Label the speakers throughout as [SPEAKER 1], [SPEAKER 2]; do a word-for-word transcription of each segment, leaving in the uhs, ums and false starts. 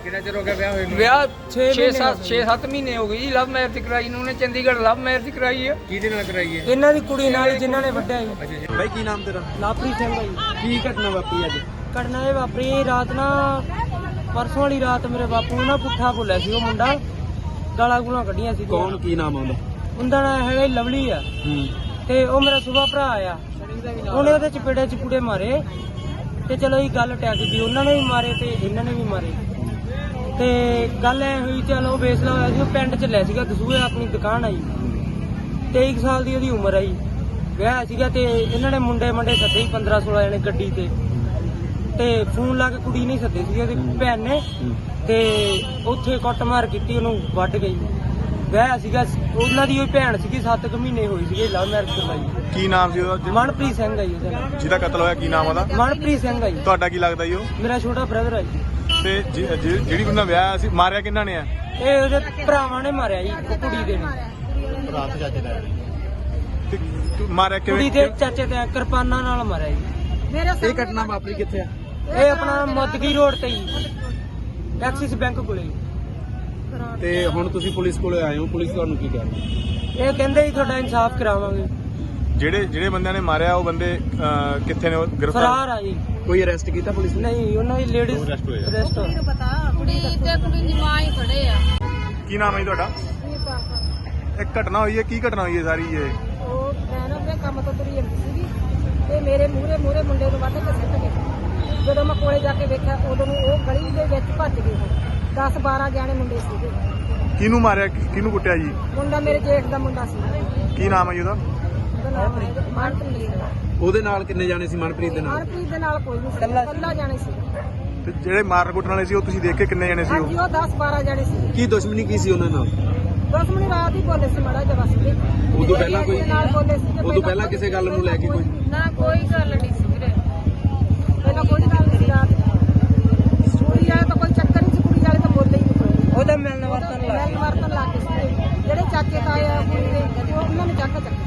[SPEAKER 1] ਕਿੰਨਾ ਚਿਰ ਹੋ ਗਿਆ ਵਿਆਹ ਹੋਏ ਨੂੰ?
[SPEAKER 2] ਵਿਆਹ ਛੇ ਸੱਤ ਛੇ ਸੱਤ ਮਹੀਨੇ ਹੋ ਗਏ ਜੀ। ਲਵ ਮੈਰਿਜ ਕਰਾਈ ਨੂੰ ਉਹਨੇ, ਚੰਡੀਗੜ੍ਹ ਲਵ ਮੈਰਿਜ ਕਰਾਈ ਹੈ।
[SPEAKER 1] ਕਿਹਦੇ ਨਾਲ ਕਰਾਈ ਹੈ?
[SPEAKER 2] ਇਹਨਾਂ ਦੀ ਕੁੜੀ ਨਾਲ ਜਿਨ੍ਹਾਂ ਨੇ ਵੱਢਿਆ ਜੀ।
[SPEAKER 1] ਅੱਛਾ ਜੀ।
[SPEAKER 3] ਬਾਈ ਕੀ ਨਾਮ ਤੇਰਾ?
[SPEAKER 2] ਲਾਪਰੀ ਸਿੰਘ ਜੀ।
[SPEAKER 3] ਕੀ ਘਟਨਾ ਵਾਪਰੀ ਅੱਜ?
[SPEAKER 2] ਘਟਨਾ ਇਹ ਵਾਪਰੀ ਰਾਤ ਨਾ, ਪਰਸੋਂ ਵਾਲੀ ਰਾਤ ਮੇਰੇ ਬਾਪੂ ਨੂੰ ਨਾ ਪੁੱਠਾ ਬੋਲਿਆ ਸੀ ਉਹ ਮੁੰਡਾ, ਗਾਲਾਂ ਗੂਲਾਂ ਕੱਢੀਆਂ ਸੀ।
[SPEAKER 3] ਕੌਣ, ਕੀ ਨਾਮ ਆਉਂਦਾ?
[SPEAKER 2] ਉਹਦਾ ਨਾਂ ਹੈਗਾ ਜੀ ਲਵਲੀ ਆ।
[SPEAKER 3] ਹੂੰ।
[SPEAKER 2] ਤੇ ਉਹ ਮੇਰਾ ਸੁਭਾ ਭਰਾ ਆ, ਉਹਨੇ ਉਹਦੇ ਚਪੇੜੇ ਚਪੂੜੇ ਮਾਰੇ ਤੇ ਚਲੋ ਇਹ ਗੱਲ ਟੈਕ ਗਈ, ਉਹਨਾਂ ਨੇ ਵੀ ਮਾਰੇ ਤੇ ਇਹਨਾਂ ਨੇ ਵੀ ਮਾਰੇ ਤੇ ਗੱਲ ਐ ਹੋਈ। ਚਲੋ ਫੈਸਲਾ ਹੋਇਆ ਸੀ, ਉਹ ਪਿੰਡ ਚ ਲੈ ਸੀਗਾ ਦਸੂਹੇ, ਆਪਣੀ ਦੁਕਾਨ ਆਈ, ਤੇਈ ਸਾਲ ਦੀ ਉਹਦੀ ਉਮਰ ਆਈ, ਵਿਆਹ ਸੀਗਾ ਤੇ ਇਹਨਾਂ ਨੇ ਮੁੰਡੇ ਮੰਡੇ ਸੱਦੇ ਸੀ ਪੰਦਰਾਂ ਸੋਲਾਂ ਜਣੇ ਗੱਡੀ ਤੇ ਤੇ ਫੋਨ ਲਾ ਕੇ ਕੁੜੀ ਨਹੀਂ ਸੱਦੇ ਸੀ ਉਹਦੀ ਭੈਣ ਨੇ ਤੇ ਉੱਥੇ ਕੁੱਟਮਾਰ ਕੀਤੀ, ਉਹਨੂੰ ਵੱਢ ਗਈ। ਵਿਆਹ ਸੀਗਾ ਉਹਨਾਂ ਦੀ, ਉਹ ਭੈਣ ਸੀਗੀ, ਸੱਤ ਕੁ ਮਹੀਨੇ ਹੋਈ ਸੀਗੇ, ਲਵ ਮੈਰਿਜ ਕਰਵਾਈ।
[SPEAKER 4] ਕੀ ਨਾਮ ਸੀ ਉਹਦਾ
[SPEAKER 2] ਮਨਪ੍ਰੀਤ ਸਿੰਘ ਆ ਜੀ ਉਹਦਾ ਨਾਮ।
[SPEAKER 4] ਜਿਹਦਾ ਕਤਲ ਹੋਇਆ ਕੀ ਨਾਮ ਉਹਦਾ?
[SPEAKER 2] ਮਨਪ੍ਰੀਤ ਸਿੰਘ ਆ ਜੀ।
[SPEAKER 4] ਤੁਹਾਡਾ ਕੀ ਲੱਗਦਾ ਜੀ ਉਹ?
[SPEAKER 2] ਮੇਰਾ ਛੋਟਾ ਬ੍ਰਦਰ ਆ ਜੀ।
[SPEAKER 4] ਤੇ ਜਿ- ਜਿ- ਜਿਹੜੀ ਉਹਨਾਂ ਵਿਆਹ ਸੀ, ਮਾਰਿਆ ਕਿਹਨਾਂ ਨੇ ਆ?
[SPEAKER 2] ਇਹ ਉਹਦੇ ਭਰਾਵਾਂ ਨੇ ਮਾਰਿਆ ਜੀ, ਉਹ ਕੁੜੀ ਦੇ ਨੇ।
[SPEAKER 4] ਤੇ ਤੂੰ ਮਾਰਿਆ
[SPEAKER 2] ਕੁੜੀ
[SPEAKER 4] ਕਿਵੇਂ?
[SPEAKER 2] ਦੇ ਚਾਚੇ ਤੇ ਕਿਰਪਾਨਾਂ ਨਾਲ ਮਾਰਿਆ ਜੀ।
[SPEAKER 3] ਇਹ ਘਟਨਾ ਵਾਪਰੀ ਕਿੱਥੇ ਆ?
[SPEAKER 2] ਇਹ ਆਪਣਾ ਮੋਦਗੀ ਰੋਡ ਤੇ ਜੀ, ਐਕਸਿਸ ਬੈਂਕ ਕੋਲੇ।
[SPEAKER 3] ਤੇ ਹੁਣ ਤੁਸੀਂ ਪੁਲਿਸ ਕੋਲੇ ਆਏ ਹੋ, ਪੁਲਿਸ ਤੁਹਾਨੂੰ ਕੀ ਕਹਿ ਰਹੀ?
[SPEAKER 2] ਇਹ ਕਹਿੰਦੇ ਜੀ ਤੁਹਾਡਾ ਇਨਸਾਫ ਕਰਾਵਾਂਗੇ।
[SPEAKER 4] ਜਿਹੜੇ ਜਿਹੜੇ ਬੰਦਿਆਂ ਨੇ ਮਾਰਿਆ ਉਹ ਬੰਦੇ ਅਹ, ਕਿੱਥੇ ਨੇ? ਉਹ ਗ੍ਰਿਫਤਾਰ?
[SPEAKER 2] ਫਰਾਰ ਆ ਜੀ।
[SPEAKER 3] ਕੋਈ ਅਰੈਸਟ ਕੀਤਾ ਪੁਲਿਸ ਨੇ?
[SPEAKER 2] ਨਹੀਂ, ਉਹਨਾਂ ਦੀ ਲੇਡੀਜ਼ ਅਰੈਸਟ
[SPEAKER 5] ਕੁੜੀ ਨੂੰ ਪਤਾ, ਕੁੜੀ ਤੇ ਕੁੜੀ ਦੀ ਮਾਂ ਹੀ ਖੜੇ ਆ।
[SPEAKER 4] ਕੀ ਨਾਮ ਹੈ ਜੀ ਤੁਹਾਡਾ? ਇੱਕ ਘਟਨਾ ਹੋਈ ਹੈ, ਕੀ ਘਟਨਾ ਹੋਈ ਹੈ ਸਾਰੀ ਇਹ?
[SPEAKER 6] ਉਹ ਮੈਂ ਨਾ ਆਪਣੇ ਕੰਮ ਤੋਂ ਤੁਰੀ ਜਾਂਦੀ ਸੀਗੀ ਤੇ ਮੇਰੇ ਮੂਹਰੇ ਮੂਹਰੇ ਮੁੰਡੇ ਨੂੰ ਵੱਢ ਕੇ ਸਿੱਟ ਗਏ। ਜਦੋਂ ਮੈਂ ਕੋਲੇ ਜਾ ਕੇ ਵੇਖਿਆ ਉਦੋਂ ਨੂੰ ਉਹ ਗਲੀ ਦੇ ਵਿੱਚ ਭੱਜ ਗਏ। ਦਸ ਬਾਰਾਂ ਜਾਣੇ ਮੁੰਡੇ ਸੀਗੇ।
[SPEAKER 4] ਕਿਹਨੂੰ ਮਾਰਿਆ, ਕਿਹਨੂੰ ਕੁੱਟਿਆ ਜੀ?
[SPEAKER 6] ਮੁੰਡਾ ਮੇਰੇ ਜੇਠ ਦਾ ਮੁੰਡਾ ਸੀ।
[SPEAKER 4] ਕੀ ਨਾਮ ਹੈ ਜੀ ਉਹਦਾ?
[SPEAKER 6] ਉਹਦਾ ਨਾਮ ਹੈ ਮਨਪ੍ਰੀਤ।
[SPEAKER 3] ਉਹਦੇ ਨਾਲ ਕਿੰਨੇ ਜਾਣੇ ਸੀ ਮਨਪ੍ਰੀਤ ਦੇ ਨਾਲ?
[SPEAKER 6] ਮਨਪ੍ਰੀਤ ਦੇ ਨਾਲ ਕੋਈ ਨਹੀਂ ਸੀ, ਇਕੱਲਾ ਜਾਣੇ ਸੀ।
[SPEAKER 4] ਤੇ ਜਿਹੜੇ ਮਾਰਨ ਕੁੱਟਣ ਵਾਲੇ ਸੀ ਉਹ ਤੁਸੀਂ ਦੇਖ ਕੇ ਕਿੰਨੇ ਜਣੇ ਸੀ ਉਹ?
[SPEAKER 6] ਹਾਂਜੀ, ਉਹ ਦਸ ਬਾਰਾਂ ਜਾਣੇ ਸੀ।
[SPEAKER 3] ਕੀ ਦੁਸ਼ਮਣੀ ਕੀ ਸੀ ਉਹਨਾਂ ਨਾਲ?
[SPEAKER 6] ਦਸ ਮਿੰਟ ਰਾਤ ਹੀ ਬੋਲੇ ਸੀ ਮਾੜਾ ਜਿਹਾ ਬਸ।
[SPEAKER 3] ਉਦੋਂ ਪਹਿਲਾਂ ਕੋਈ
[SPEAKER 6] ਨਾਲ ਬੋਲੇ ਸੀ।
[SPEAKER 3] ਉਦੋਂ ਪਹਿਲਾਂ ਕਿਸੇ ਗੱਲ ਨੂੰ ਲੈ ਕੇ ਕੋਈ?
[SPEAKER 5] ਨਾ ਕੋਈ ਗੱਲ ਨਹੀਂ ਸੀ ਵੀਰੇ।
[SPEAKER 6] ਪਹਿਲਾਂ ਕੋਈ ਗੱਲ ਨਹੀਂ ਸੀ ਰਾਤ। ਕੁੜੀ ਵਾਲੇ ਤਾਂ ਕੋਈ ਚੱਕਰ ਨਹੀਂ ਸੀ, ਕੁੜੀ ਵਾਲੇ ਤਾਂ ਬੋਲੇ ਹੀ ਨਹੀਂ।
[SPEAKER 2] ਉਹਦਾ ਮਿਲਣ ਵਰਤਨ ਲੱਗ
[SPEAKER 6] ਮਿਲਣ ਵਰਤਨ ਲੱਗ ਗਏ ਸੀ। ਜਿਹੜੇ ਚਾਚੇ ਤਾਏ ਆ ਕੁੜੀ ਦੇ, ਉਹ ਉਹਨਾਂ ਨੇ ਚੱਕ ਚੱਕ।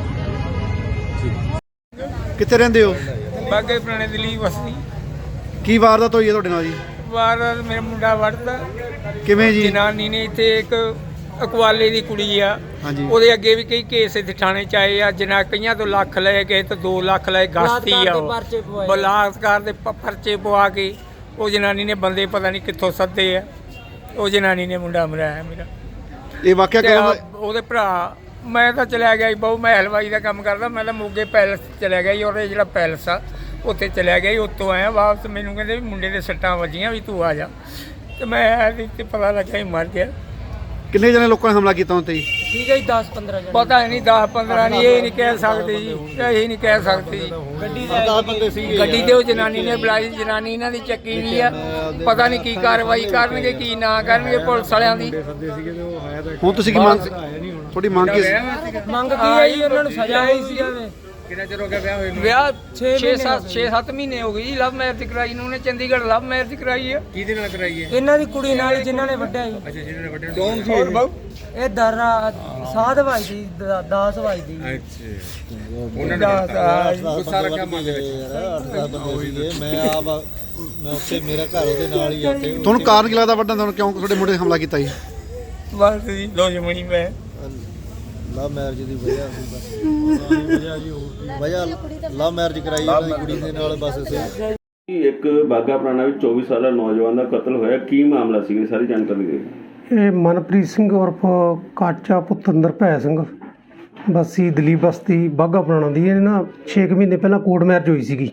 [SPEAKER 7] ਕਿੱਥੇ ਰਹਿੰਦੇ ਹੋ?
[SPEAKER 2] ਬਾਗੇ ਪੁਰਾਣੇ ਦਿੱਲੀ ਵਸਦੀ।
[SPEAKER 7] ਕੀ ਵਾਰਦਾਤ ਹੋਈ ਹੈ ਤੁਹਾਡੇ ਨਾਲ ਜੀ?
[SPEAKER 2] ਵਾਰ ਮੇਰਾ ਮੁੰਡਾ ਵੜਦਾ
[SPEAKER 7] ਕਿਵੇਂ ਜੀ?
[SPEAKER 2] ਜਨਾਨੀ ਨੇ ਇੱਥੇ ਇੱਕ ਅਕਵਾਲੇ ਦੀ ਕੁੜੀ ਆ,
[SPEAKER 7] ਹਾਂਜੀ।
[SPEAKER 2] ਉਹਦੇ ਅੱਗੇ ਵੀ ਕਈ ਕੇਸ ਇੱਥੇ ਥਾਣੇ ਚ ਆਏ ਆ। ਜਨਾ ਕਈਆਂ ਤੋਂ ਲੱਖ ਲਏ ਗਏ ਤੇ ਦੋ ਲੱਖ ਲਏ। ਗਸਤੀ ਆ ਉਹ, ਬਲਾਤਕਾਰ ਦੇ ਪ- ਪਰਚੇ ਪਵਾ ਕੇ ਉਹ ਜਨਾਨੀ ਨੇ ਬੰਦੇ ਪਤਾ ਨਹੀਂ ਕਿੱਥੋਂ ਸੱਦੇ ਆ, ਉਹ ਜਨਾਨੀ ਨੇ ਮੁੰਡਾ ਮਰਾਇਆ ਮੇਰਾ।
[SPEAKER 7] ਇਹ ਵਾਕਿਆ
[SPEAKER 2] ਤੇ
[SPEAKER 7] ਕਦੋਂ
[SPEAKER 2] ਆ
[SPEAKER 7] ਦਾ?
[SPEAKER 2] ਉਹਦੇ ਭਰਾ, ਮੈਂ ਤਾਂ ਚਲਿਆ ਗਿਆ ਜੀ ਬਹੁ, ਮੈਂ ਹਲਵਾਈ ਦਾ ਕੰਮ ਕਰਦਾ, ਮੈਂ ਤਾਂ ਮੋਗੇ ਪੈਲਸ ਚਲਿਆ ਗਿਆ ਜੀ। ਉਹਦੇ ਜਿਹੜਾ ਪੈਲਸ ਆ ਉੱਥੇ ਚਲਿਆ ਗਿਆ ਜੀ। ਉੱਥੋਂ ਆਇਆ ਵਾਪਸ, ਮੈਨੂੰ ਕਹਿੰਦੇ ਵੀ ਮੁੰਡੇ ਦੇ ਸੱਟਾਂ ਵੱਜੀਆਂ ਵੀ ਤੂੰ ਆ ਜਾ, ਤੇ ਮੈਂ ਆਇਆ ਤੇ ਪਤਾ ਲੱਗਾ ਹੀ ਮਰ ਗਿਆ।
[SPEAKER 7] ਕਿੰਨੇ ਜਣੇ ਲੋਕਾਂ ਨੇ ਹਮਲਾ ਕੀਤਾ ਉੱਤੇ ਜੀ?
[SPEAKER 2] ਠੀਕ ਹੈ ਜੀ, ਦਸ ਪੰਦਰਾਂ ਜਣੇ। ਪਤਾ ਨਹੀਂ ਦਸ ਪੰਦਰਾਂ ਨਹੀਂ, ਇਹ ਨਹੀਂ ਕਹਿ ਸਕਦੇ ਜੀ, ਇਹ ਨਹੀਂ ਕਹਿ ਸਕਦੇ ਜੀ। ਗੱਡੀ ਦੇ ਗੱਡੀ ਤੇ ਉਹ ਜਨਾਨੀ ਨੇ ਬੁਲਾਈ, ਜਨਾਨੀ ਇਹਨਾਂ ਦੀ ਚੱਕੀ ਵੀ ਆ। ਪਤਾ ਨਹੀਂ ਕੀ ਕਾਰਵਾਈ ਕਰਨਗੇ ਕੀ ਨਾ ਕਰਨਗੇ ਪੁਲਿਸ ਵਾਲਿਆਂ ਦੀ।
[SPEAKER 7] ਹੁਣ ਤੁਸੀਂ ਕੀ ਮੰਗ, ਤੁਹਾਡੀ ਮੰਗ ਕੀ?
[SPEAKER 2] ਮੰਗ ਕੀ ਹੈ ਜੀ? ਉਹਨਾਂ ਨੂੰ ਸਜ਼ਾ ਹੋਈ ਸੀ ਜਾਵੇ।
[SPEAKER 1] ਕਿੰਨਾ ਚਿਰ ਹੋ ਗਿਆ ਵਿਆਹ ਹੋਏ ਨੂੰ?
[SPEAKER 2] ਵਿਆਹ ਛੇ ਸੱਤ ਛੇ ਸੱਤ ਮਹੀਨੇ ਹੋ ਗਏ ਜੀ। ਲਵ ਮੈਰਿਜ ਕਰਾਈ ਨੂੰ ਉਹਨੇ, ਚੰਡੀਗੜ੍ਹ ਲਵ ਮੈਰਿਜ ਕਰਾਈ ਹੈ।
[SPEAKER 1] ਕਿਹਦੇ ਨਾਲ ਕਰਾਈ ਹੈ?
[SPEAKER 2] ਇਹਨਾਂ ਦੀ ਕੁੜੀ ਨਾਲ ਜਿਨ੍ਹਾਂ ਨੇ ਵੱਢਿਆ ਜੀ।
[SPEAKER 1] ਅੱਛਾ, ਜਿਹਨਾਂ ਨੇ ਵੱਡੇ ਨੂੰ?
[SPEAKER 2] ਕੌਣ ਸੀ ਇਹ? ਇਹ ਦਰਾ ਸਾਧ ਭਾਈ ਦੀ, ਦਾਸ ਭਾਈ ਦੀ।
[SPEAKER 1] ਅੱਛਾ, ਉਹਨਾਂ ਨੇ ਗੁੱਸਾ ਰੱਖਿਆ ਮਨ ਦੇ ਵਿੱਚ।
[SPEAKER 8] ਮੈਂ ਆਪ ਮੈਂ ਉੱਥੇ ਮੇਰਾ ਘਰ ਉਹਦੇ ਨਾਲ ਹੀ ਆ ਤੇ
[SPEAKER 7] ਤੁਹਾਨੂੰ ਕਾਰਨ ਕੀ ਲੱਗਦਾ ਵੱਡਾ, ਤੁਹਾਨੂੰ ਕਿਉਂ ਤੁਹਾਡੇ ਮੁੰਡੇ ਤੇ ਹਮਲਾ ਕੀਤਾ ਜੀ?
[SPEAKER 2] ਬਸ ਜੀ ਦੁਸ਼ਮਣੀ ਮੈਂ
[SPEAKER 8] ਲਵ ਮੈਰਿਜ ਦੀ ਵਜ੍ਹਾ ਸੀ ਬਸ ਵਜ੍ਹਾ ਲਵ ਮੈਰਿਜ ਕਰਾਈ ਉਹਨਾਂ ਦੀ ਕੁੜੀ ਦੇ ਨਾਲ ਬਸ ਇਸੇ।
[SPEAKER 9] ਇੱਕ ਬਾਗਾ ਪੁਰਾਣਾ ਵਿੱਚ ਚੌਵੀ ਸਾਲਾ ਨੌਜਵਾਨ ਦਾ ਕਤਲ ਹੋਇਆ, ਕੀ ਮਾਮਲਾ ਸੀ? ਸਾਰੀ ਜਾਣਕਾਰੀ ਦਿਓ।
[SPEAKER 10] ਇਹ ਮਨਪ੍ਰੀਤ ਸਿੰਘ ਉਰਫ ਕਾਚਾ ਪੁੱਤਰ ਭੈ ਸਿੰਘ ਬਸੀ ਦਲੀਪ ਬਸਤੀ ਬਾਗਾ ਪੁਰਾਣਾ ਦੀ। ਇਹ ਨਾ ਛੇ ਕੁ ਮਹੀਨੇ ਪਹਿਲਾਂ ਕੋਰਟ ਮੈਰਿਜ ਹੋਈ ਸੀਗੀ।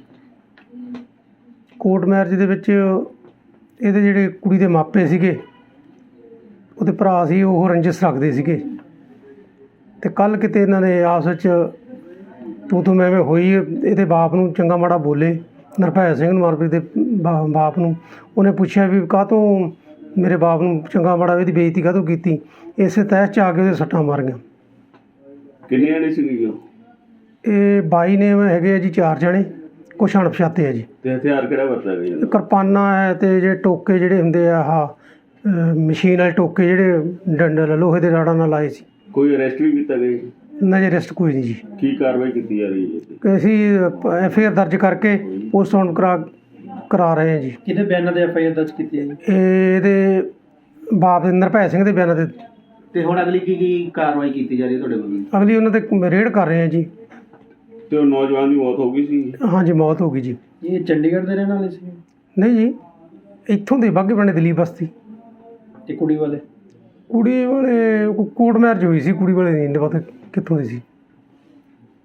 [SPEAKER 10] ਕੋਰਟ ਮੈਰਿਜ ਦੇ ਵਿੱਚ ਇਹਦੇ ਜਿਹੜੇ ਕੁੜੀ ਦੇ ਮਾਪੇ ਸੀਗੇ, ਉਹਦੇ ਭਰਾ ਸੀ, ਉਹ ਰੰਜਿਸ਼ ਰੱਖਦੇ ਸੀਗੇ ਤੇ ਕੱਲ੍ਹ ਕਿਤੇ ਇਹਨਾਂ ਨੇ ਆਪਸ ਵਿੱਚ ਤੂੰ ਤੂੰ ਮੈਂ ਮੈਂ ਹੋਈ। ਇਹਦੇ ਬਾਪ ਨੂੰ ਚੰਗਾ ਮਾੜਾ ਬੋਲੇ, ਨਿਰਭੈ ਸਿੰਘ ਨੂੰ, ਮਨਪ੍ਰੀਤ ਦੇ ਬਾ- ਬਾਪ ਨੂੰ। ਉਹਨੇ ਪੁੱਛਿਆ ਵੀ ਕਾਹਤੋਂ ਮੇਰੇ ਬਾਪ ਨੂੰ ਚੰਗਾ ਮਾੜਾ, ਇਹਦੀ ਬੇਇੱਜ਼ਤੀ ਕਾਹਤੋਂ ਕੀਤੀ। ਇਸੇ ਤਹਿਸ 'ਚ ਆ ਕੇ ਉਹਦੇ ਸੱਟਾਂ ਮਾਰੀਆਂ।
[SPEAKER 9] ਕਿੰਨੀਆਂ ਨੇ ਸੀਗੀਆਂ?
[SPEAKER 10] ਇਹ ਬਾਈ ਨੇ ਹੈਗੇ ਆ ਜੀ ਚਾਰ ਜਣੇ, ਕੁਛ ਅਣਪਛਾਤੇ ਆ ਜੀ।
[SPEAKER 9] ਤੇ ਹਥਿਆਰ ਕਿਹੜਾ ਵਰਤਿਆ ਗਿਆ?
[SPEAKER 10] ਕਿਰਪਾਨਾਂ ਹੈ ਤੇ ਜਿਹੜੇ ਟੋਕੇ ਜਿਹੜੇ ਹੁੰਦੇ ਆ, ਆਹ ਮਸ਼ੀਨ ਵਾਲੇ ਟੋਕੇ ਜਿਹੜੇ ਡੰਡਲ ਲੋਹੇ ਦੇ ਰਾੜਾਂ ਨਾਲ ਲਾਏ ਸੀ।
[SPEAKER 9] ਕੋਈ ਅਰੈਸਟ ਵੀ ਕੀਤਾ ਗਿਆ?
[SPEAKER 10] ਇਹਨਾਂ ਦੇ ਅਰੈਸਟ ਕੋਈ ਨਹੀਂ ਜੀ।
[SPEAKER 9] ਕੀ ਕਾਰਵਾਈ ਕੀਤੀ ਜਾ ਰਹੀ ਹੈ?
[SPEAKER 10] ਅਸੀਂ ਐਫ ਆਈ ਆਰ ਦਰਜ ਕਰਕੇ ਪੋਸਟਮਾਰਟਮ ਕਰਾ ਕਰਾ ਰਹੇ ਹਾਂ ਜੀ।
[SPEAKER 3] ਕਿਹਦੇ ਬਿਆਨਾਂ ਦੇ ਐਫ ਆਈ ਆਰ ਦਰਜ ਕੀਤੀ ਹੈ ਜੀ?
[SPEAKER 10] ਇਹ ਇਹਦੇ ਬਾਪ ਦੇ ਨਿਰਭੈ ਸਿੰਘ ਦੇ ਬਿਆਨਾਂ ਦੇ।
[SPEAKER 3] ਤੇ ਹੁਣ ਅਗਲੀ ਕੀ ਕੀ ਕਾਰਵਾਈ ਕੀਤੀ ਜਾ ਰਹੀ ਹੈ ਤੁਹਾਡੇ ਵੱਲੋਂ?
[SPEAKER 10] ਅਗਲੀ ਉਹਨਾਂ ਤੇ ਰੇਡ ਕਰ ਰਹੇ ਹਾਂ ਜੀ।
[SPEAKER 9] ਤੇ ਉਹ ਨੌਜਵਾਨ ਦੀ ਮੌਤ ਹੋ ਗਈ ਸੀ?
[SPEAKER 10] ਹਾਂਜੀ, ਮੌਤ ਹੋ ਗਈ ਜੀ।
[SPEAKER 3] ਇਹ ਚੰਡੀਗੜ੍ਹ ਦੇ ਰਹਿਣ ਵਾਲੇ ਸੀ?
[SPEAKER 10] ਨਹੀਂ ਜੀ, ਇੱਥੋਂ ਦੇ ਬਾਘੇ ਪਿੰਡ ਦਲੀਪ ਬਸਤੀ।
[SPEAKER 3] ਤੇ ਕੁੜੀ ਵਾਲੇ?
[SPEAKER 10] ਕੁੜੀ ਵਾਲੇ ਕੋਰਟ ਮੈਰਿਜ ਹੋਈ ਸੀ, ਕੁੜੀ ਵਾਲੇ ਨਹੀਂ ਪਤਾ ਕਿੱਥੋਂ ਦੀ ਸੀ।